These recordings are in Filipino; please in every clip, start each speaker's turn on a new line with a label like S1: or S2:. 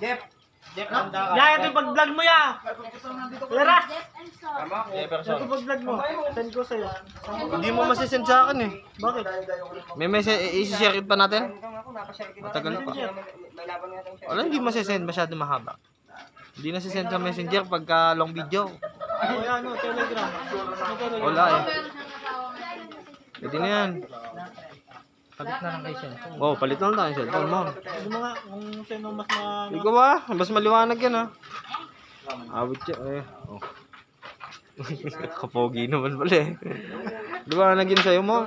S1: Jeff.
S2: Ya, ito yung pag-vlog mo ya. Tara.
S3: Jefferson.
S2: Ito pag-vlog mo. Send ko sa'yo.
S3: Hindi mo masisend sa akin eh.
S2: Bakit?
S3: May message, isi-share it pa natin? Matagal pa. Wala, hindi masisend. Masyado mahaba. Hindi nasisend sa messenger pagka long video.
S2: O ano, Telegram.
S3: Wala eh. Pwede na yan.
S4: Palit na lang kay cellphone.
S3: Oh, palit na lang tayo cellphone mo.
S2: Ano mo nga, kung sino mas
S3: Ikaw ba? Mas maliwanag yan ha. Awit siya eh. Oh. Kapogi naman pala eh. Liwanag yun sa'yo mo.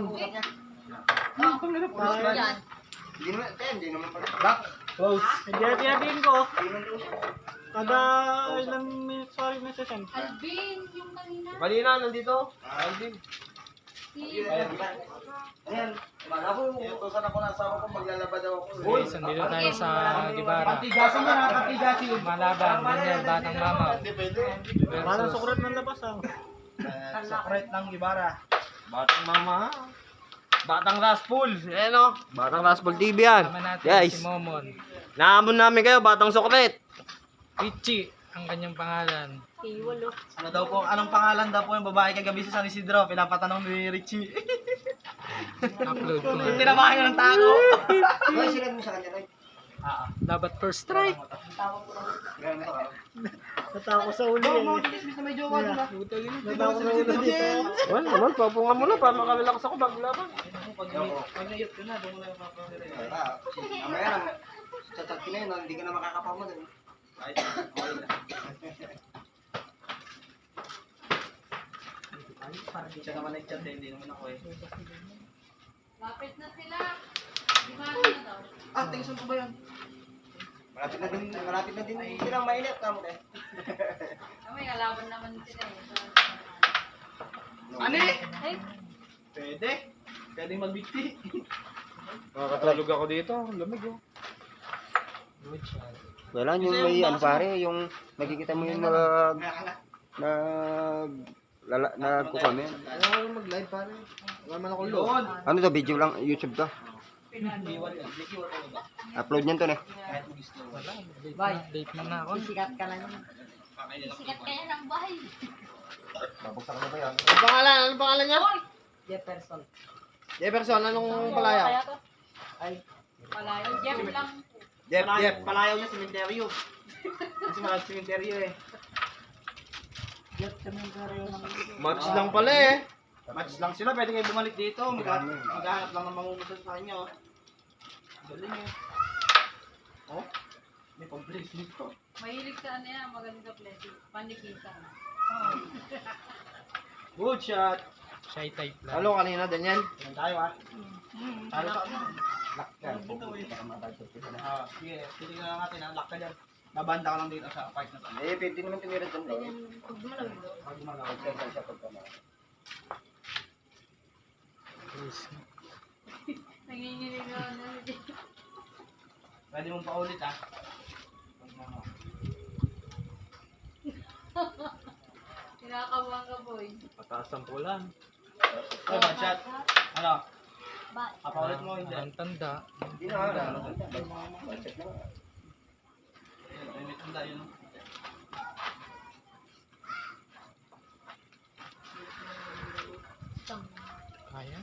S2: Hati-hatiin ko. Kada ilang minutes, sorry, message.
S5: Alvin, yung kanina.
S3: Kanina, nandito. Alvin.
S1: Ayan. Ako, utusan ako ng asawa ko, maglalaba daw ako.
S4: Uy, sandito tayo sa Gibara.
S1: Patigasin mo na, patigasin.
S4: Malaban, ganyan, batang mamaw.
S2: Parang sukrat ng labas ah.
S1: Sakret ng Gibara.
S3: Batang mama ha. Batang Raspul. Ayan o. Batang Raspul TV yan.
S4: Tama natin
S3: Guys,
S4: si Momon.
S3: naamon namin kayo, Batang Sokret.
S4: Pichi, ang kanyang pangalan.
S1: Ano daw po, anong pangalan daw po yung babae kagabi sa San Isidro? Pinapatanong ni Richie.
S4: Upload ko nga.
S1: Tinabahan niya ng tago. Hoy, sinad mo sa kanya, Roy.
S4: Dapat first strike.
S2: Natawa sa uli eh.
S1: Dismiss na may jowa doon ah.
S2: Natawa sa uli dito.
S3: Wala naman, papunga mo na para makalalakas ako bago laban.
S1: Pag nayot ka na, doon mo na yung papapire. Mamaya lang, chat-chat ka na yun, hindi ka na makakapama doon. Siya naman nag-chat eh, hindi naman ako eh.
S5: Lapit na sila. Di ba na daw?
S1: Ah, tingsan ko ba yan? Malapit na din silang mainit, kamo eh.
S5: May kalaban naman sila eh.
S1: Ano eh?
S5: Ay,
S1: Pwede. Pwede magbigti.
S3: Makakatulog ako dito, lamig oh.
S4: Good shot.
S6: Wala yung may ano pare, yung nakikita mo yung nagkukomment.
S1: Ayaw mag-live pare. Wala man ako loon.
S6: Ano to, video lang, YouTube to.
S1: Biwal yan. Biwal ko ba?
S6: Upload niyan to ne.
S1: Kahit mag-gusto.
S4: Wala, date mo na ako.
S5: sikat kaya ng bahay.
S6: Babuksan ko ba yan?
S3: Anong pangalan? Anong pangalan niya?
S5: Jefferson.
S3: Jefferson, anong palayaw?
S5: Palayo. Jeff lang.
S1: Jeff. Palayaw niya sementeryo. Kasi mahal sementeryo eh.
S3: Match lang pala eh.
S1: Match lang sila, pwede kayo bumalik dito. Maghahanap lang ng mangungusan sa inyo. Galing eh. Oh, may pag-bracelet ko.
S5: Mahilig sa ano yan. Maganda blessing. Panikita.
S1: Good shot.
S4: Shy type lang.
S3: Halo kanina, Daniel.
S1: Yan tayo ah. Talo sa ano? Lock ka. Sige, titignan lang natin ah. Lock ka dyan. Babanda ka lang dito sa part na to.
S6: Eh, pwede naman tumira dyan daw.
S5: Pag malamig.
S1: Pag gumalaw.
S5: Nanginginig na ano.
S1: Pwede mong paulit ah. Pag ano.
S5: Kinakabuhan ka boy.
S3: Pataas ang pulan.
S1: Oh, bad shot. Ano?
S5: Ba?
S1: Papaulit mo hindi.
S4: Ang tanda.
S6: Hindi na ano.
S1: May tanda yun.
S4: Kaya?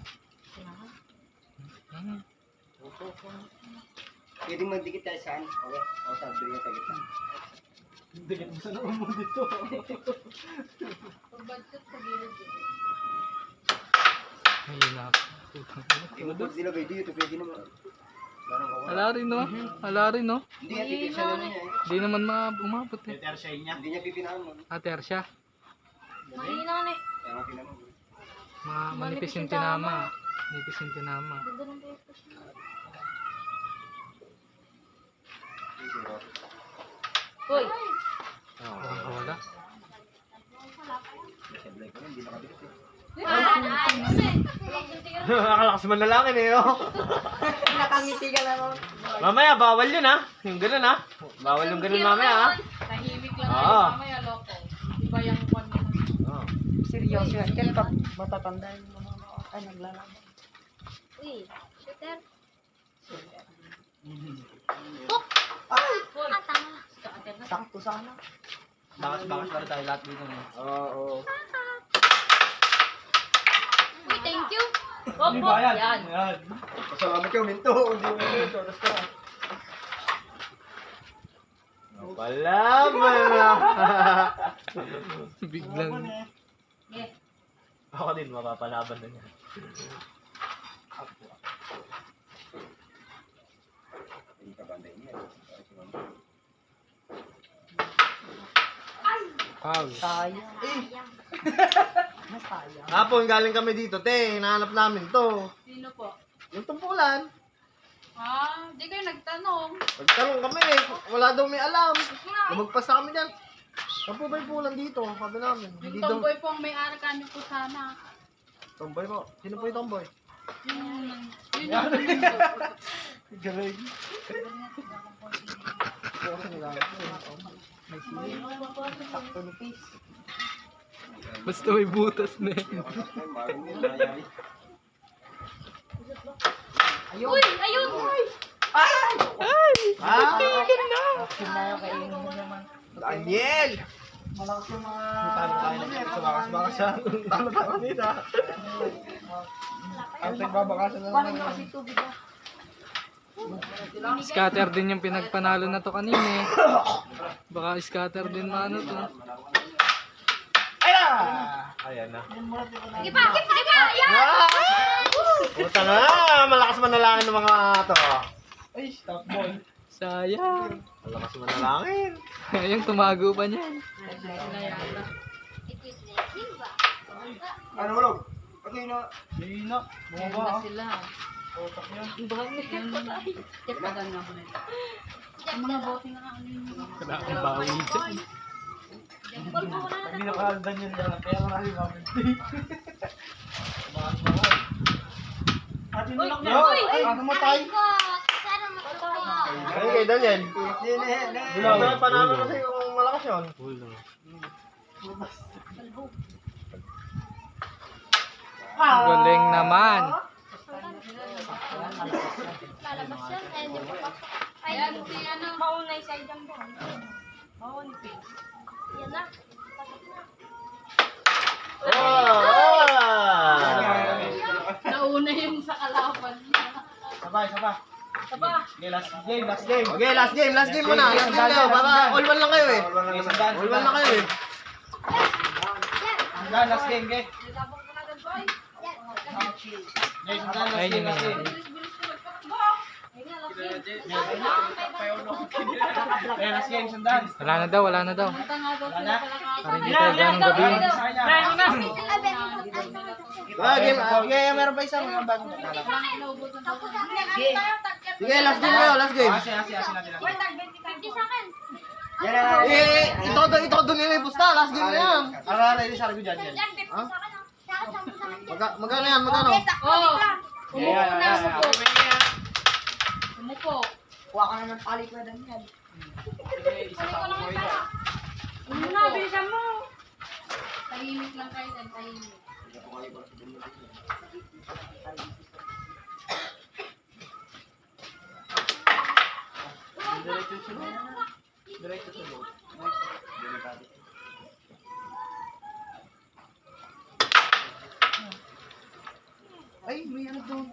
S6: Pwede magdikit tayo saan? Okay, o sa dulo sa gitna.
S1: Dikit mo sa noon mo dito.
S5: Pag budget sa gilid eh.
S4: Mahina.
S6: Tinutog nila ba dito, pwede naman.
S4: Hala rin no? Hala rin no?
S6: Hindi niya pipinahan mo niya eh.
S4: Hindi naman umabot eh.
S1: Letter shine niya.
S6: Hindi niya pipinahan mo.
S4: Ater siya.
S5: Mahina na eh.
S6: Kaya nga pinahan mo.
S4: Manipis yung tinama. Manipis yung tinama.
S5: Ganda ng breakfast niya. Hoy!
S4: Wala.
S6: Hindi nakadikit eh.
S3: Nakalakas man lalaki eh oh.
S5: Nakangiti ka na nun.
S3: Mamaya, bawal yun ha. Yung ganun ha. Bawal yung ganun mamaya ha.
S5: Tahimik lang
S3: Oo.
S5: tayo mamaya, loko. Iba yung kwan mo.
S3: Oh.
S7: Seryoso yan. Kaya pag matatanda yung mga ay naglalaban.
S5: Uy, shooter. Tuk! Ay! Ah, tama.
S7: Sakto sana.
S1: Bakas-bakas para tayo lahat dito.
S3: Oo.
S5: Uy, thank you.
S1: Hindi ba yan?
S5: Yan.
S6: Pasalamat ka, minto. Hindi mo minto. Tapos ka.
S3: Palaban na.
S4: Biglang.
S3: Ako din, mapapalaban na niya.
S6: Hindi ka banday niya.
S4: Foul.
S7: Sayang. Masayang.
S3: Hapon, galing kami dito, te. Hinahanap namin to.
S5: Sino po?
S3: Yung tumpulan.
S5: Di kayo nagtanong.
S3: Nagtanong kami eh. Wala daw may alam. Lumagpas na kami dyan. Saan po ba yung pulan dito? Sabi namin.
S5: Yung
S3: Hindi daw.
S5: tomboy po ang may-ari kanyo po sana.
S3: Tomboy po. Sino po yung tomboy?
S5: Yun yung
S3: Galing.
S7: Sakto ni Peace.
S4: Basta may butas na yan.
S5: Uy, ayun!
S3: Ah!
S7: Sinayo kainin mo naman.
S3: Daniel!
S7: Malakas yung mga...
S3: Talo tayo na sa bakas-bakas siya. Talo tayo nila. Ang nagbabakasan na
S7: Paano na kasi tubig ah?
S4: Scatter din yung pinagpanalo na to kanina eh. Baka scatter din maano to.
S3: Ayan na.
S5: Iba! Ayan!
S3: Puta na! Malakas manalangin ng mga to.
S1: Ay, stop boy.
S4: Sayang.
S3: Malakas manalangin.
S4: Ayun, tumago pa niyan.
S6: Ano ulog? Okay na.
S1: Hindi na. Bumaba.
S5: Sila.
S1: Otak niya.
S5: Tipagan nga po nito. Ang mga bote nga ano yun.
S4: Kailangan bawi dyan.
S1: Hindi nakakaldan yun lang. Kaya marami kami. At yun lang
S3: Yo! Ay, namatay. Ay, kay Daniel. Wala panalo kasi yung malakas yun.
S4: Galing naman.
S5: Lalabas yan. Ayan, si ano. Maunay sa idang doon. Maunay please. Yan na. Nauna yung sa kalaban niya.
S1: Sabay.
S5: Saba.
S1: Okay, last game.
S3: Okay, last game muna. Last game kayo. Baka all one lang kayo eh.
S1: Sandaan.
S3: All one lang kayo eh.
S1: Sandaan, last game, okay?
S5: Nilabang ko na doon, boy.
S1: Okay, sandaan, last
S4: Ayun
S1: game,
S4: yun
S1: last
S4: na.
S1: game.
S5: Bilis-bilis ko magpakbo. Ayun nga, last game.
S1: Okay, last game, sandaan.
S4: Wala na daw, wala na daw.
S5: Punta nga daw sila pala
S4: Para hindi tayo ganong gabi.
S3: Game. Okay, meron pa isang bago. Sige, last game kayo, last game.
S1: Asi natin.
S6: Yan na.
S3: Ito nila yung pusta. Last game na yan.
S1: Ara, ini sabi ko dyan.
S3: Ha? Magkano yan? Magkano?
S5: Oh, umupo na, umupo. Umupo.
S7: Kuha ka na ng palik na Daniel.
S5: Kunin ko lang yung pera. Ano na, bilisan mo. Tahimik lang kayo, dan tahimik.
S1: Diretso sunod.
S3: Ay, may ano doon.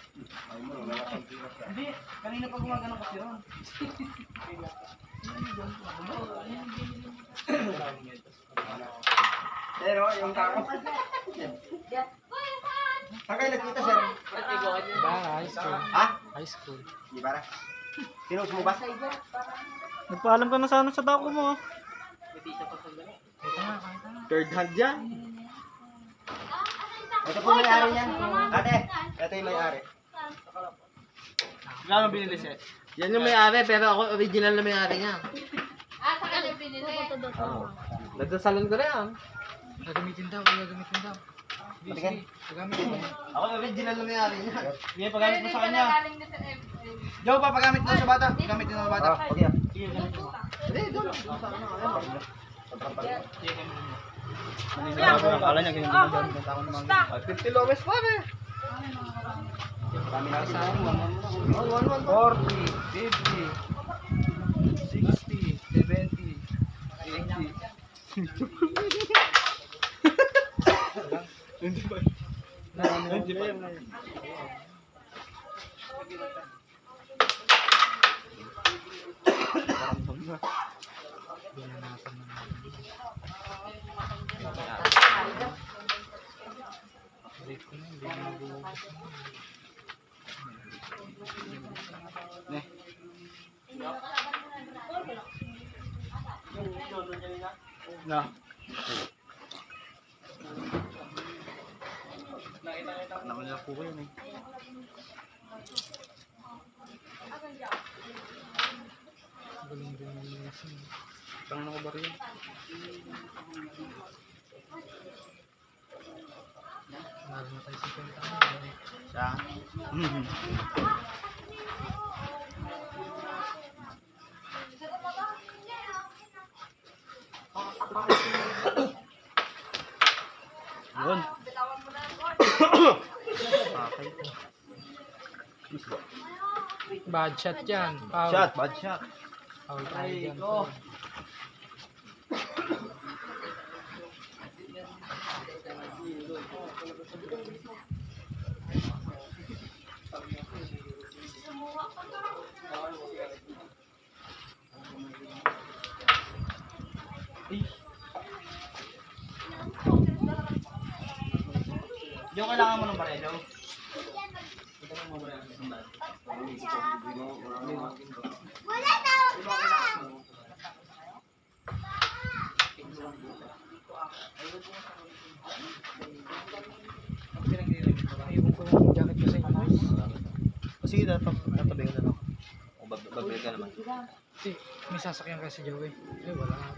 S1: Hindi, kanina pa gumagano kasi ron.
S6: Pero yung kako. Saan kayo nagkita, sir?
S4: Ba, high school.
S6: Ha?
S4: High school.
S6: Di ba? Sinus mo ba?
S2: Nagpaalam ka na sana sa dako mo ah.
S3: Third hand yan.
S6: Ito po may-ari niyan. Ate, ito yung may-ari.
S1: Gano'ng binili siya?
S3: Yan yung may-ari, pero ako original na may-ari niya.
S5: Sa kanila pinili.
S3: Nagdasalan ko na yan.
S4: Gagamitin daw, gagamitin daw. Sige, sige. Gagamitin mo.
S3: Ako original na may-ari niya.
S1: Sige, paggamit mo sa kanya.
S5: Galing na sa
S1: Joe, papagamit mo sa bata. Gamit mo sa bata.
S6: Okay.
S1: Sige, gamit mo.
S3: Hindi, doon.
S1: Akala niya ganyan din dyan. Ako naman.
S3: 50 lowest pa eh.
S6: Kami na sa
S3: 1, 1,
S1: 40, 50, 60, 70, Na. Naman nila po yun eh.
S4: Galing din yung lasing.
S1: Tangan ako ba rin?
S4: Lalo na tayo 50 ano.
S1: Siya. Yun. Okay.
S4: Bad shot yan. Foul.
S1: Shot, bad shot.
S4: Foul tayo
S1: Ay,
S4: dyan.
S1: go. Yung kailangan mo ng barelo. Ito mo barelo sa sandal.
S4: Ayun ko yung jacket ko sa inyo.
S3: Sige, tatabi ko na lang. O, babalik ka naman.
S4: Kasi may sasakyan kasi Joey. Eh, wala nga.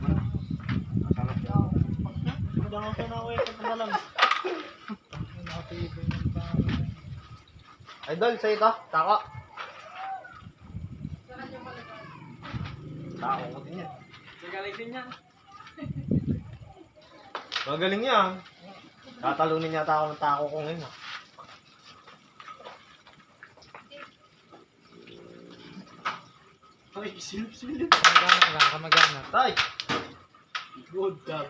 S2: Magdang ako na ako ito na lang.
S4: Nakatibay ng pangalan.
S3: Idol, sa'yo ito. Tako. Tako ko din yan.
S1: Magaling din yan.
S3: Magaling yan. Tatalunin yata ako ng tako ko ngayon.
S1: Ay, silip-silip.
S4: Kamagana ka lang, kamagana.
S3: Tay!
S1: Good job.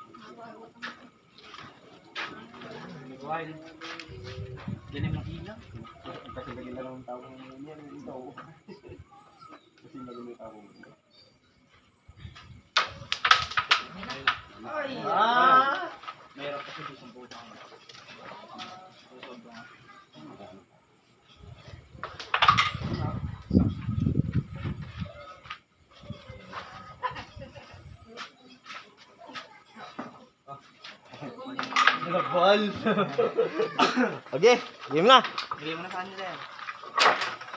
S1: Wild. Galing ng hina.
S6: Kasi lagi na lang ang tao ng yan. Ito. Kasi lagi may tao ng yan.
S3: Ah!
S1: Mayroon kasi doon sa butang.
S3: Nagbal. Okay, game na.
S1: Bigay mo na sa kanila yan.